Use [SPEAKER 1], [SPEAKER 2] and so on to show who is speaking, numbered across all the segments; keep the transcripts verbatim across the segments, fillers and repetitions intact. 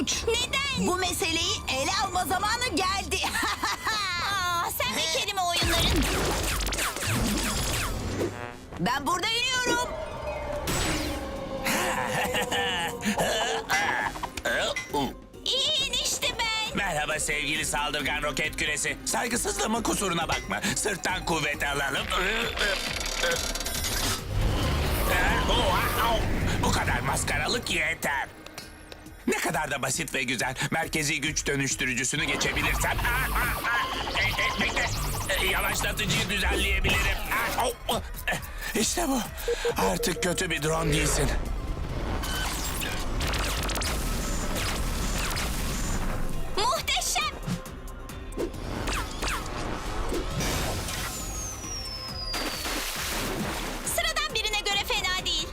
[SPEAKER 1] korkunç.
[SPEAKER 2] Neden?
[SPEAKER 1] Bu meseleyi ele alma zamanı geldi.
[SPEAKER 2] Aa, sen ve kelime oyunların.
[SPEAKER 1] Ben burada iniyorum.
[SPEAKER 2] İyi işte ben.
[SPEAKER 3] Merhaba sevgili saldırgan roket küresi. Saygısızlığımın kusuruna bakma. Sırttan kuvvet alalım. Bu kadar maskaralık yeter. Ne kadar da basit ve güzel. Merkezi güç dönüştürücüsünü geçebilirsem... Bekle. Yavaşlatıcıyı düzenleyebilirim. İşte bu. Artık kötü bir drone değilsin.
[SPEAKER 2] Muhteşem. Sıradan birine göre fena değil.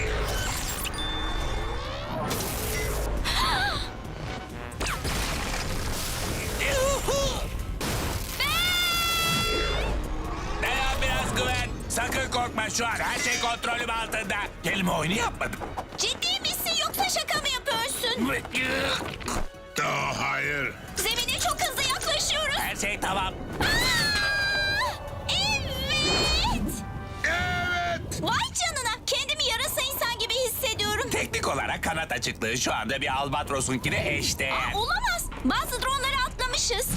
[SPEAKER 3] Dayan biraz güven. Sakın korkma, şu an her şey kontrolüm altında. Kelime oyunu yapmadım.
[SPEAKER 2] Ciddi misin yoksa şaka mı yapıyorsun?
[SPEAKER 4] Daha hayır.
[SPEAKER 2] Zemine çok hızlı yaklaşıyoruz.
[SPEAKER 3] Her şey tamam.
[SPEAKER 2] Aa! Evet.
[SPEAKER 4] Evet.
[SPEAKER 2] Vay canına. Kendimi yarasa insan gibi hissediyorum.
[SPEAKER 3] Teknik olarak kanat açıklığı şu anda bir albatrosunkine eşdeğer.
[SPEAKER 2] Aa, olamaz. Bazı dronları atlamışız.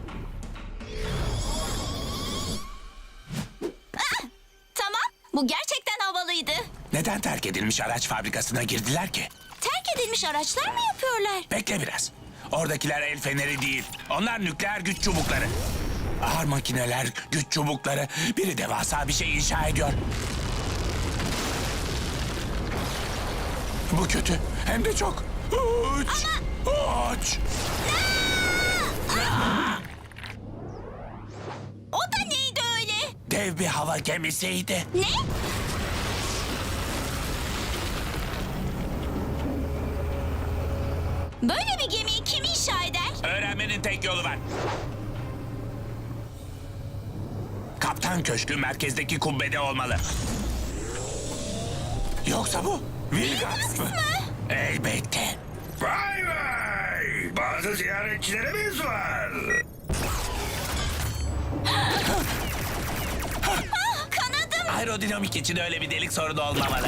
[SPEAKER 2] Ah, tamam. Bu gerçekten havalıydı.
[SPEAKER 3] Neden terk edilmiş araç fabrikasına girdiler ki?
[SPEAKER 2] Terk edilmiş araçlar mı yapıyorlar?
[SPEAKER 3] Bekle biraz. Oradakiler el feneri değil. Onlar nükleer güç çubukları. Ağır makineler, güç çubukları. Biri devasa bir şey inşa ediyor. Bu kötü. Hem de çok. Uç. Uç.
[SPEAKER 2] O da neydi öyle?
[SPEAKER 3] Dev bir hava gemisiydi.
[SPEAKER 2] Ne? Böyle bir gemiyi kim inşa eder?
[SPEAKER 3] Öğrenmenin tek yolu var. Kaptan köşkü merkezdeki kubbede olmalı. Yoksa bu Vilgax mı? Elbette.
[SPEAKER 4] Vay vay. Bazı ziyaretçilerimiz var.
[SPEAKER 2] Kanadım.
[SPEAKER 3] Aerodinamik için öyle bir delik sorunu olmamalı.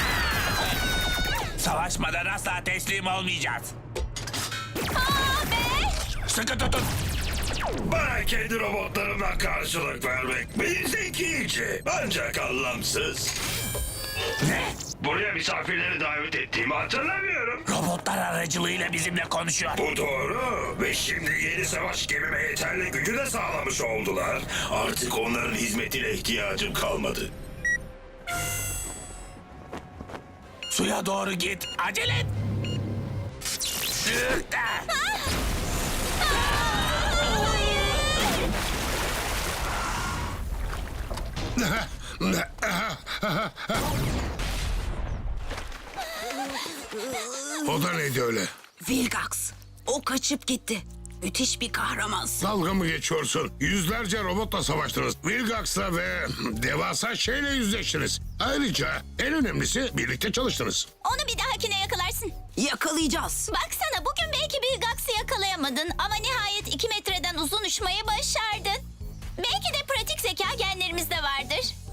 [SPEAKER 3] Savaşmadan asla teslim olmayacağız.
[SPEAKER 2] Aa be.
[SPEAKER 3] Sıkı tutun.
[SPEAKER 4] Bana kendi robotlarımla karşılık vermek bir zekice. Ancak anlamsız.
[SPEAKER 3] Ne?
[SPEAKER 4] Buraya misafirleri davet ettiğimi hatırlamıyorum.
[SPEAKER 3] Robotlar aracılığıyla bizimle konuşuyor.
[SPEAKER 4] Bu doğru. Ve şimdi yeni savaş gemime yeterli gücü de sağlamış oldular. Artık onların hizmetine ihtiyacım kalmadı.
[SPEAKER 3] Suya doğru git. Acele et.
[SPEAKER 4] O da neydi öyle?
[SPEAKER 1] Vilgax. O kaçıp gitti. Müthiş bir kahramansın.
[SPEAKER 4] Dalga mı geçiyorsun? Yüzlerce robotla savaştınız. Vilgax'la ve devasa şeyle yüzleştiniz. Ayrıca en önemlisi birlikte çalıştınız.
[SPEAKER 2] Onu bir dahakine yakalarsın.
[SPEAKER 1] Yakalayacağız.
[SPEAKER 2] Baksana bugün belki bir Gax'ı yakalayamadın ama nihayet iki metreden uzun uçmayı başardın. Belki de pratik zeka genlerimizde vardı.